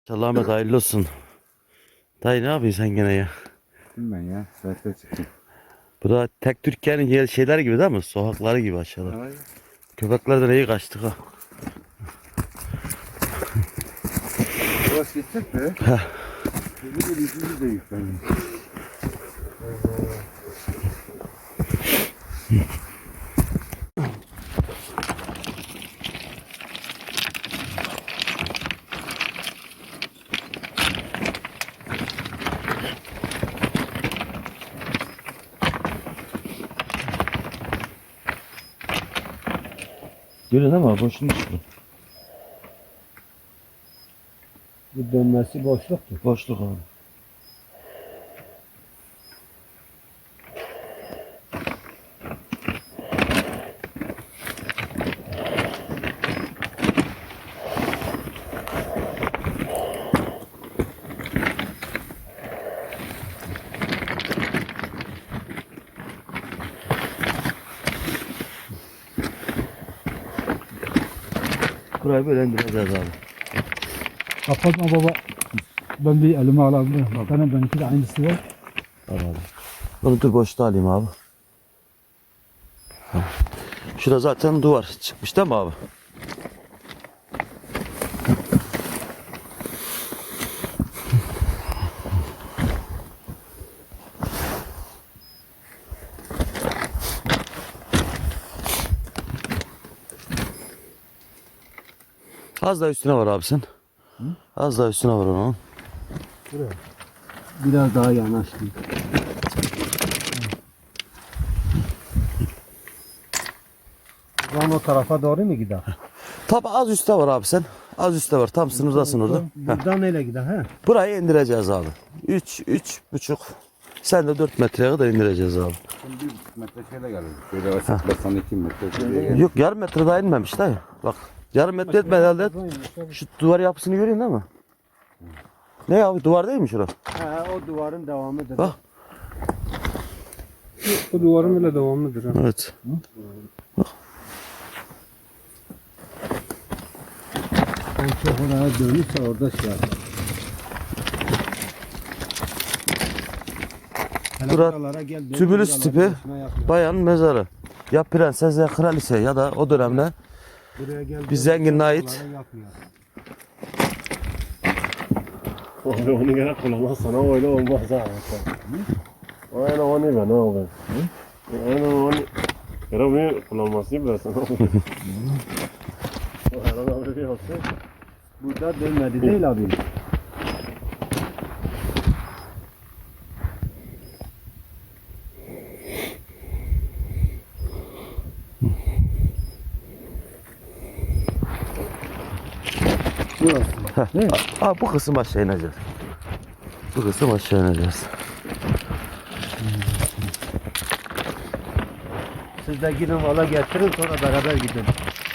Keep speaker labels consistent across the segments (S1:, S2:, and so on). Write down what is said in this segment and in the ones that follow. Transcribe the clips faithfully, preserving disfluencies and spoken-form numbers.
S1: İnşallah Ahmet hayırlı olsun. Dayı ne yapıyorsun sen gene ya?
S2: Ben ya saatte çıktım.
S1: Bu da tek Türkiye'nin yer şeyler gibi değil mi? Sokakları gibi aşağıda.
S2: Ay.
S1: Köpeklerden iyi kaçtık ha.
S2: Yavaş geçecek de.
S1: Heh.
S2: Yeni bir yüzümüz de yüklendi.
S1: Görün ama boşluğun çıktı.
S3: Bu dönmesi boşluktur.
S1: Boşluk abi. Burayı böyle indireceğiz abi.
S3: Kapatma baba. Ben bir elime alabilirim. Bak benim benimki de aynısı var.
S1: Al abi. Bunu dur boşta alayım abi. Tamam. Şurada zaten duvar çıkmış değil mi abi? Az daha üstüne var abi sen. Hı? Az daha üstüne var onun.
S3: Buraya. Biraz daha yanaştım. Buradan o tarafa doğru mu gider?
S1: Tabi az üstte var abi sen. Az üstte var. Tam sınırdasın orada. Heh.
S3: Buradan neyle gider he?
S1: Burayı indireceğiz abi. üç, üç buçuk. Sen de dört metreye kadar indireceğiz abi.
S2: Şimdi bir buçuk metre şeyle geldi. Şöyle yavaş basan iki metre şöyle geldi.
S1: Yok yarım metre daha inmemiş dayı. Bak yarım metre etmedi herhalde. Şu duvar yapısını görüyorsun değil mi? Ne abi duvar değil mi şurası?
S3: He o duvarın devamıdır.
S1: Bak.
S3: O duvarın bile devamıdır. Ha.
S1: Evet.
S3: Ben çok oraya dönürse orada şey yapar.
S1: Bura tübülüs tipi bayan mezarı. Ya prenses ya kraliçe ya da o dönemde bir zengine ait.
S4: Abi onu gene kullanmazsan öyle olmaz ha. Aynen onu ben abi. Aynen onu. Yara bir kullanmasıyım ben sana. Aynen abi bir yapsın.
S3: Burada dönmedi değil abi. Burası.
S1: Heh. Aa, bu kısım aşağı ineceğiz. Bu kısım aşağı ineceğiz.
S3: Siz de gidin valla getirin sonra beraber gidelim.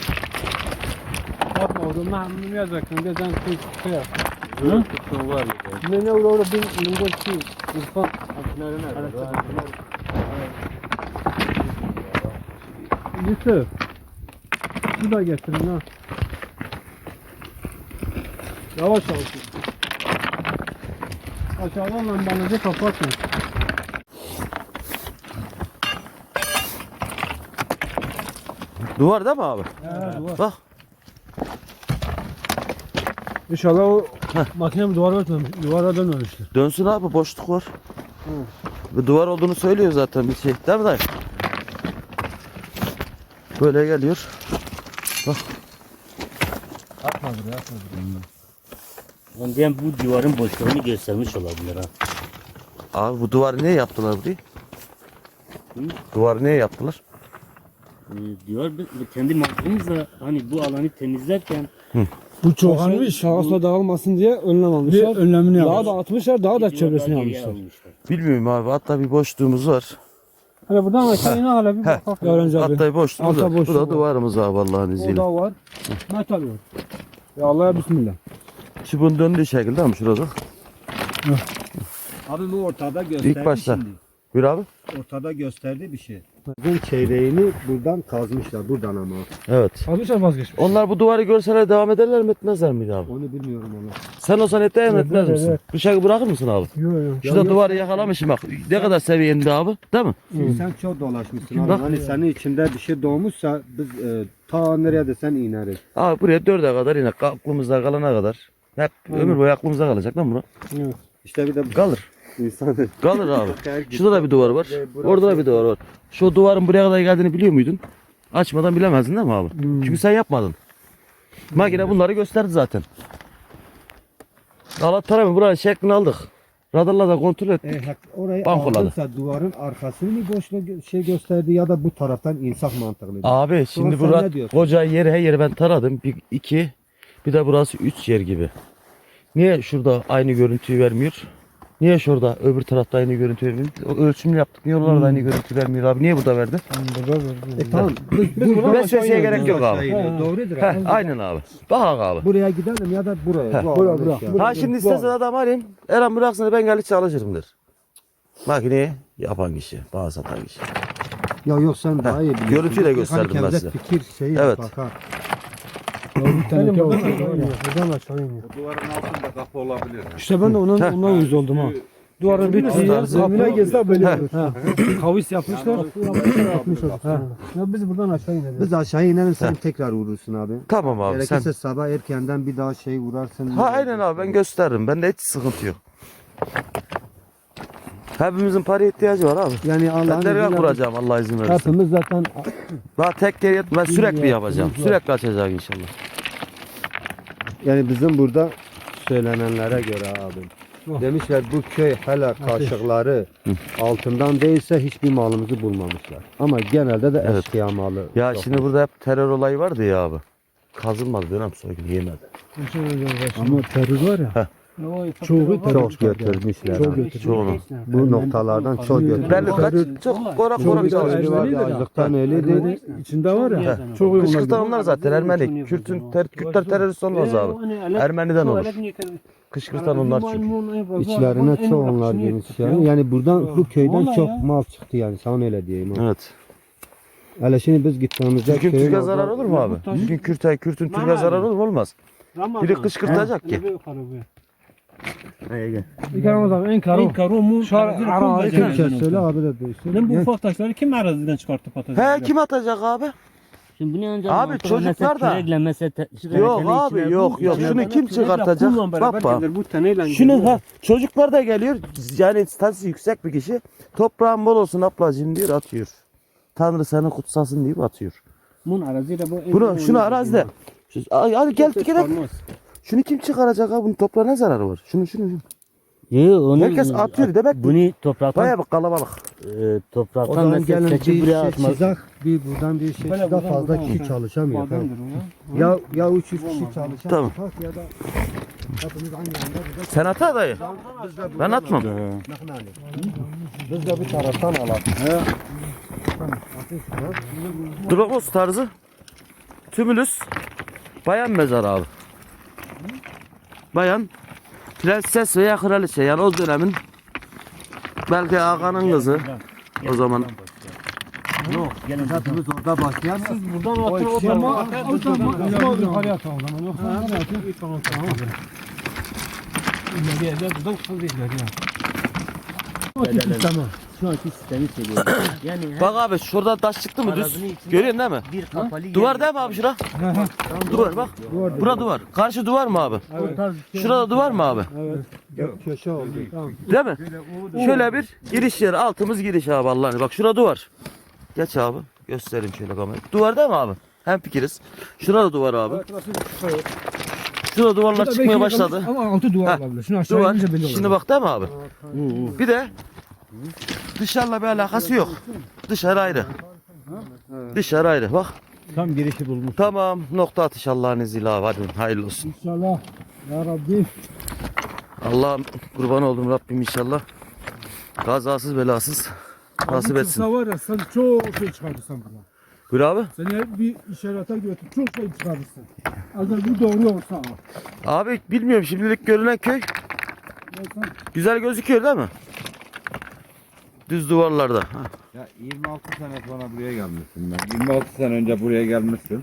S3: Yapma oğlum ben bunu yazacaktım. Bir sen şey yap. Hı? Ne ne olur bir numara ki İrfan Yusuf. Bu da getirin ha. Yavaş yavaş. Aşağıdan lambanızı kapatın.
S1: Duvar değil mi abi?
S3: He, duvar.
S1: Bak.
S3: İnşallah o makine duvara örtmemiş, duvara dönmemiştir.
S1: Dönsün abi boşluk var. Bir duvar olduğunu söylüyor zaten bir şey. Değil mi dayı? Böyle geliyor. Bak.
S3: Atma buraya, atma buraya.
S5: Ondan bu duvarın boşluğunu göstermiş olabilir ha.
S1: Abi bu duvarı niye yaptılar burayı?
S5: Hı?
S1: Duvarı niye yaptılar?
S5: Ee, diyor biz- kendi mantığımızla hani bu alanı temizlerken
S3: Bu çoğalmış, şahısla dağılmasın diye önlem almışlar. Bir önlemini Daha da atmışlar, daha da
S5: bir
S3: çevresini
S5: duvar daha geriye
S3: almışlar.
S5: almışlar.
S1: Bilmiyorum abi. Hatta bir boşluğumuz var.
S3: Hani buradan aşağı ine hala bir
S1: Heh.
S3: bak. Öğrenci abi.
S1: Hatta boşluğumuz
S3: Altta
S1: var. Bu
S3: boşluk
S1: da
S3: var.
S1: duvarımız abi Allah'ın
S3: O
S1: izniyle.
S3: da var. Metal var. Ya Allah'a bismillah.
S1: Şu bunun döndüğü şekilde mi şurada?
S6: Abi bu ortada gösterdi
S1: İlk başta.
S6: şimdi.
S1: Buyur abi.
S6: Ortada gösterdi bir şey. Bizim çeyreğini buradan kazmışlar. Buradan ama.
S1: Evet.
S3: Almışlar vazgeçmiş.
S1: Onlar bu duvarı görseler devam ederler mi etmezler miydi abi?
S6: Onu bilmiyorum onu.
S1: Sen olsan etler mi
S3: Evet,
S1: etmez
S3: evet,
S1: misin?
S3: evet.
S1: Bıçağı bırakır mısın abi?
S3: Yok yok.
S1: Şurada duvarı yakalamışım bak. Ne kadar seviyende abi, değil mi?
S6: Şimdi sen çok dolaşmışsın abi.
S1: Bak.
S6: Hani senin içinde bir şey doğmuşsa biz e, ta nereye desen ineriz.
S1: Abi buraya dörde kadar yine aklımızda kalana kadar. Hep ömür boyu aklımızda kalacak lan bura.
S3: Evet.
S6: İşte bir de
S1: Kalır.
S6: insan
S1: Kalır abi. Şurada da bir duvar var. Orada da bir duvar var. Şu duvarın buraya kadar geldiğini biliyor muydun? Açmadan bilemezdin değil mi abi? Çünkü sen yapmadın. Makine bunları gösterdi zaten. Allah tarafı buranın şeklini aldık. Radarla da kontrol ettik.
S6: E, hak- orayı
S1: Bankoladı.
S6: aldıysa duvarın arkasını mı boşluğu gö- şey gösterdi ya da bu taraftan insaf mantıklı.
S1: Abi şimdi
S6: sen
S1: bura
S6: ne diyorsun?
S1: koca yeri her yeri ben taradım. Bir, iki, bir de burası üç yer gibi. Niye şurada aynı görüntüyü vermiyor? Niye şurada öbür tarafta aynı görüntü vermiyor? O ölçümlü yaptık. Niye oralarda aynı görüntü vermiyor abi? Niye burada verdi?
S6: E tamam. Biz, biz buradan
S1: Vesveseye
S6: aşağı
S1: gerek
S6: ineriz.
S1: yok abi.
S6: Aşağı ineriz. Doğrudur.
S1: Heh,
S6: abi.
S1: aynen abi. Bak abi.
S6: Buraya gidelim ya da buraya.
S1: Heh,
S6: Bu
S3: bura,
S6: alanı
S3: bura.
S6: şey
S3: Bura.
S1: Ha şimdi istesen adam arayayım. Eren bıraksın ben gelip çalışırım der. Makineyi yapan kişi, bana satan kişi.
S6: Ya yok sen daha iyi biliyorsun.
S1: görüntüyü de
S6: Hani
S1: gösterdim ben
S6: kendi
S1: size.
S6: fikir şeyi
S1: Evet.
S6: bakar.
S3: Bir tane buradan aşağı iniyor. Buradan aşağı iniyor.
S2: Duvarın altında kapı olabilir.
S3: İşte ben de ondan,
S1: Heh.
S3: ondan uyuz oldum ha. Duvarın bittiği yer
S1: tarzı-
S3: kapına gezse böyle
S1: Heh.
S3: olur. Ha. Kavis yapmışlar. yapmışlar. Ha. Ya biz buradan aşağı ineriz.
S6: Biz aşağı inelim sen tekrar vurursun abi.
S1: Tamam abi sen.
S6: Gerekirse sabah erkenden bir daha şey vurarsın.
S1: Ha aynen abi ben gösteririm. Bende hiç sıkıntı yok. Hepimizin paraya ihtiyacı var abi.
S6: Yani
S1: Ben
S6: Allah'ın
S1: dergah
S6: izniyle
S1: kuracağım Allah izin verirse.
S3: Hepimiz zaten
S1: Daha tek yer yet- ben sürekli yapacağım. Sürekli açacak inşallah.
S6: yani bizim burada söylenenlere göre abi.
S3: Oh.
S6: Demişler bu köy hala kaşıkları altından değilse hiçbir malımızı bulmamışlar. Ama genelde de
S1: Evet.
S6: eşkıya malı.
S1: Ya
S6: çok.
S1: şimdi burada hep terör olayı vardı ya abi. Kazılmadı dönem soygun yemedi.
S6: Ama terör var ya.
S3: çoğu
S6: Çok götürmüşler.
S3: Çok
S6: abi.
S3: götürdü.
S1: Çoğunu.
S6: Bu noktalardan çok götürmüşler.
S1: Belli kaç çok korak korak çalışmış.
S6: var ya, açlıktan ölüydü.
S3: İçinde var ya.
S1: He.
S3: Çok
S1: Kışkırtan onlar zaten Ermeni. Kürtün, ter, Kürtler terörist olmaz abi. Ermeniden olur. Kışkırtan onlar çünkü.
S6: İçlerine çok onlar girmiş yani. Yani buradan bu köyden çok mal çıktı yani sana öyle diyeyim. abi.
S1: Evet.
S6: Hele şimdi biz gittiğimizde
S1: Türk'ün
S6: köyün
S1: Türk'e
S6: orada-
S1: zarar olur mu abi? Türk'ün Kürt'e, Kürt'ün Türk'e zarar olur mu? Olmaz. Biri kışkırtacak ki.
S3: İkramız abi en karo.
S5: En karo mu?
S3: Şar- ara-
S6: Türkçe söyle abi de değilsin.
S5: Lan bu ufak taşları kim araziden çıkartıp atacak?
S1: He kim atacak abi?
S5: Şimdi bunu ancak
S1: Abi
S5: mantıklı
S1: çocuklar
S5: mesela
S1: da-
S5: kürekle mesela te-
S1: Yok
S5: küreklerin
S1: abi
S5: içine
S1: yok
S5: bu-
S1: yok.
S5: içine
S1: Şunu
S5: bana
S1: kim
S5: kürekle
S1: çıkartacak?
S5: kullan beraber
S1: Bak bak.
S5: gelir, bu teneyle
S1: Şunu
S5: geliyor.
S1: ha çocuklar da geliyor. Yani statüsü yüksek bir kişi. Toprağın bol olsun ablacığım diyor atıyor. Tanrı seni kutsasın deyip atıyor.
S5: Bunun araziyle bu.
S1: Bunu şunu arazide. Şu- Ay, Hadi gel gel. Şunu kim çıkaracak abi? Bunun toprağa ne zararı var? Şunu şunu. şunu.
S5: Yok onu.
S1: Herkes atıyor demek ki.
S5: Bunu topraktan
S1: Bayağı bir kalabalık.
S5: e,
S6: O
S5: topraktan
S6: zaman
S5: mesela
S6: gelin
S5: seçip
S6: bir
S5: buraya
S6: şey
S5: atmak.
S6: çizak, bir buradan bir şey
S3: Böyle
S6: çizak
S3: buradan,
S6: fazla
S3: buradan
S6: kişi
S3: olacak.
S6: çalışamıyor.
S3: Bademdir
S6: Tamam.
S3: o ya.
S6: Ya ya üç yüz kişi çalışan
S1: Tamam.
S6: bak ya da hepimiz aynı anda burada
S1: Sen at dayı. Ben atmam.
S6: biz de bir taraftan alalım.
S1: Dromos tarzı. Tümülüs. Bayan mezarı abi. Bayan. Prenses veya kraliçe. Yani o dönemin belki ağanın kızı. O zaman.
S5: Yok gelin.
S6: Hepimiz orada başlayan siz
S3: Buradan atın o zaman. O zaman yukarıya atalım o zaman. Yoksa nereye atın? Tamam tamam. İleriye de buradan kıl değil ya.
S5: Tamam. Şu anki sistemi söylüyorum. Yani
S1: Bak abi şurada taş çıktı mı düz?
S5: Arazinin içinde
S1: Görüyorsun değil mi?
S5: bir kapalı
S1: Duvar değil mi abi şura? Duvar bak. Bura duvar. Karşı duvar mı abi? Şurada duvar mı abi?
S6: köşe oldu.
S1: Değil mi? Şöyle bir giriş yeri. Altımız giriş abi Allah'ını. Bak şurada duvar. Geç abi. Göstereyim şöyle kamerayı. Duvar değil mi abi? Hem fikiriz. Şurada duvar abi. Şurada duvarlar çıkmaya başladı.
S3: Ama altı duvar
S1: Heh,
S3: olabilir. Şunu aşağı
S1: Duvar.
S3: inince belli olur.
S1: Şimdi bak değil mi abi? Bir de dışarıla bir alakası yok. Dışarı ayrı. Dışarı ayrı. Bak.
S3: Tam girişi bulmuş.
S1: Tamam. Nokta atış Allah'ın izniyle abi. Hadi hayırlı olsun.
S3: İnşallah. Ya Rabbi.
S1: Allah'ım kurban oldum Rabbim inşallah. Kazasız belasız nasip etsin.
S3: var ya sen çok şey çıkartırsan buradan.
S1: Buyur abi.
S3: Seni hep bir işarete götür. Çok şey çıkartırsın. Ancak bu doğru olsa.
S1: Abi bilmiyorum şimdilik görünen köy güzel gözüküyor değil mi? Düz duvarlarda. Ha.
S2: Ya yirmi altı sene sonra buraya gelmişsin ben. yirmi altı sene önce buraya gelmişsin.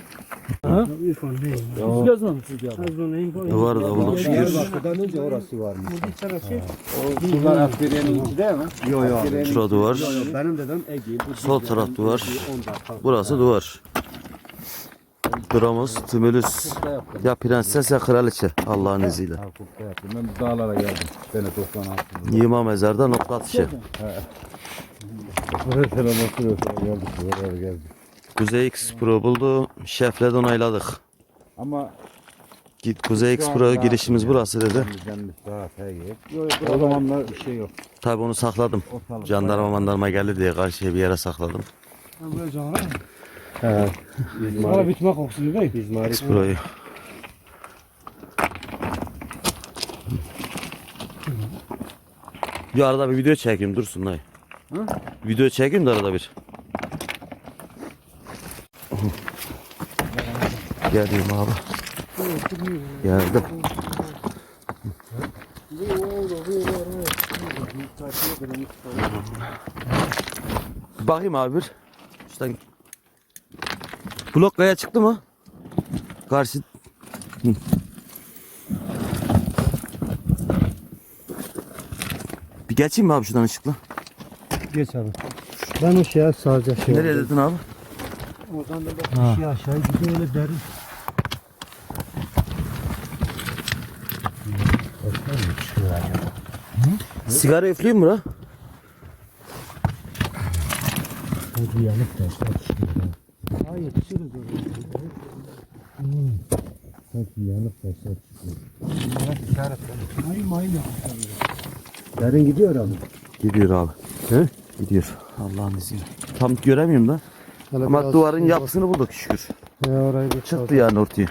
S1: Duvarı da bulduk şükür.
S6: Diyarbakır'dan önce orası varmış.
S2: Bunlar askeriyenin içi değil mi?
S6: Yok yok.
S1: Şurada duvar.
S6: Benim dedem Ege.
S1: Sol taraf duvar. Burası duvar. Duramız, tümülüs. Ya prenses ya kraliçe Allah'ın izniyle.
S2: Hakukta yaptım. Ben bu dağlara geldim. Sene doksan altı.
S1: Yığma mezarda nokta atışı.
S2: Buraya selam olsun. Geldik. Buraya geldik.
S1: Kuzey X Pro buldu. Şefle onayladık.
S2: Ama
S1: Git Kuzey X Pro girişimiz burası dedi.
S2: bizden daha şey O zamanlar bir şey yok.
S1: Tabi onu sakladım.
S2: Ortalık
S1: Jandarma mandarma geldi diye karşıya bir yere sakladım.
S3: Bana bitme kokusu değil.
S1: X Pro'yu. Bir arada bir video çekeyim dursun dayı. Video çekeyim de arada bir. Geldim abi. Geldim. Bakayım abi bir. İşte blok kaya çıktı mı? Karşı. Hı. Bir geçeyim mi abi şuradan ışıkla?
S6: Geç abi. Ben o şeye sadece şey
S1: Nereye dedin abi?
S6: Oradan da bak şey aşağı gidiyor öyle derin.
S1: Sigara üfleyeyim mi bura?
S6: Hadi yanık taşlar çıkıyor. Hayır yetişiriz oraya. Hmm. Sanki yanık taşlar çıkıyor. Bunlara işaret ver. Hayır mayın yapmışlar. Derin gidiyor abi.
S1: Gidiyor abi.
S6: He?
S1: Gidiyor. Allah'ın izniyle. Tam göremiyorum da.
S6: Hele
S1: Ama
S6: biraz
S1: duvarın
S6: şey
S1: yapısını bulduk şükür.
S6: bak. He, orayı bir
S1: Çıktı yani ortaya.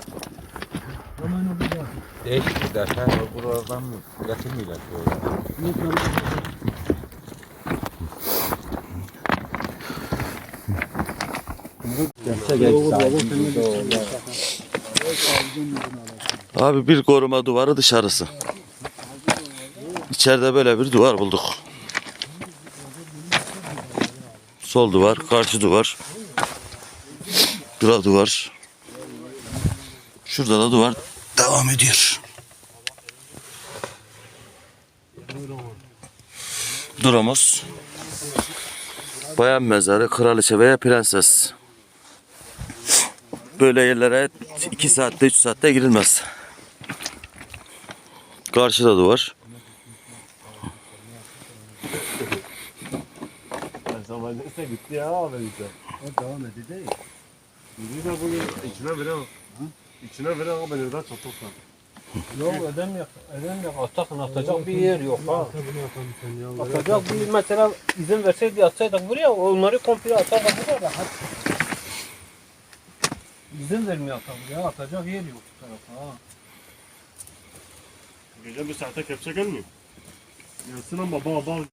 S2: değişik bir ders. Ha, buralardan mı getirmiyorlar?
S1: Abi bir koruma duvarı dışarısı. İçeride böyle bir duvar bulduk. Sol duvar, karşı duvar. Bura duvar. Şurada da duvar devam ediyor. Duramız. Bayan mezarı, kraliçe veya prenses. Böyle yerlere iki saatte, üç saatte girilmez. Karşıda duvar.
S4: Zaman neyse gitti ya abi işte.
S6: O devam ediyor değil.
S4: Yürüyü de bugün içine bile İçine bile abi nerede çatırsan.
S3: Yok edem yok. Edem yok. Atakın atacak bir yer yok ha. Atacak bir mesela izin verseydi atsaydık buraya onları komple atardık buraya rahat. İzin vermiyor atam ya atacak yer yok bu tarafa ha.
S4: Gece bir saate kepçe gelmiyor. Gelsin ama baba baba.